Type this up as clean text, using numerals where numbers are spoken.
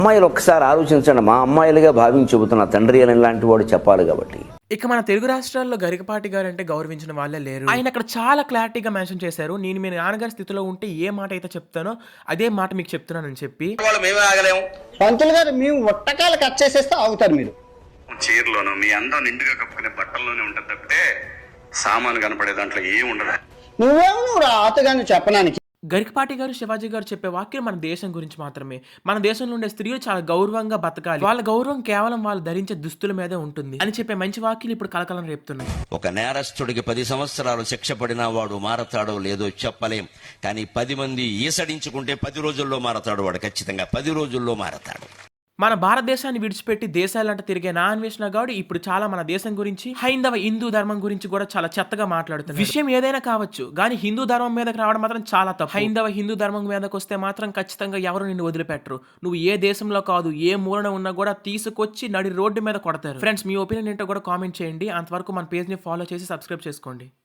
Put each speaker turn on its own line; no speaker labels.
అమ్మాయిలు ఒక్కసారి ఆలోచించండి, మా అమ్మాయిలుగా భావించి చెబుతున్న తండ్రి అని లాంటి వాడు చెప్పాలి కాబట్టి.
ఇక మన తెలుగు రాష్ట్రాల్లో గరికపాటి గారంటే గౌరవించిన వాళ్ళే లేరు. ఆయన అక్కడ చాలా క్లారిటీగా మెన్షన్ చేశారు. నేను మీ నాన్నగారి స్థితిలో ఉంటే ఏ మాట అయితే చెప్తానో అదే మాట మీకు చెప్తున్నానని చెప్పి.
మేమే ఆగలేము.
పంతులు గారు మేము ఒట్టకాలు కట్ చేసేస్తే ఆగుతారు మీరు.
చీరలోను మీ అందం నిండుగా కప్పుకునే బట్టల్లోనే ఉంటుంది తప్పితే సామాను కనపడే దాంట్లో ఏం ఉండదు.
నువ్వు రాతగాని చెప్పడానికి.
గరికపాటి గారు, శివాజీ గారు చెప్పే వాక్యం మన దేశం గురించి మాత్రమే. మన దేశంలో ఉండే స్త్రీలు చాలా గౌరవంగా బతకాలి, వాళ్ళ గౌరవం కేవలం వాళ్ళు ధరించే దుస్తుల మీదే ఉంటుంది అని చెప్పే మంచి వాక్యాలు ఇప్పుడు కలకలం రేపుతున్నాయి.
ఒక నేరస్తుడికి 10 సంవత్సరాలు శిక్ష పడినా వాడు మారతాడో లేదో చెప్పలేం, కానీ 10 మంది ఈసడించుకుంటే 10 రోజుల్లో మారతాడు. వాడు ఖచ్చితంగా 10 రోజుల్లో మారతాడు.
మన భారతదేశాన్ని విడిచిపెట్టి దేశాలంటే తిరిగే నా అన్వేషణ గౌడ్ ఇప్పుడు చాలా మన దేశం గురించి, హైందవ హిందూ ధర్మం గురించి కూడా చాలా చెత్తగా మాట్లాడుతుంది. విషయం ఏదైనా కావచ్చు, కానీ హిందూ ధర్మం మీదకి రావడం మాత్రం చాలా తప్పు. హైందవ హిందూ ధర్మం మీదకి వస్తే మాత్రం ఖచ్చితంగా ఎవరు నిన్ను వదిలిపెట్టరు. నువ్వు ఏ దేశంలో కాదు, ఏ మూలన ఉన్నా కూడా తీసుకొచ్చి నడి రోడ్డు మీద కొడతారు. ఫ్రెండ్స్, మీ ఒపీనియన్ ఏంటో కూడా కామెంట్ చేయండి. అంతవరకు మన పేజ్ ని ఫాలో చేసి సబ్స్క్రైబ్ చేసుకోండి.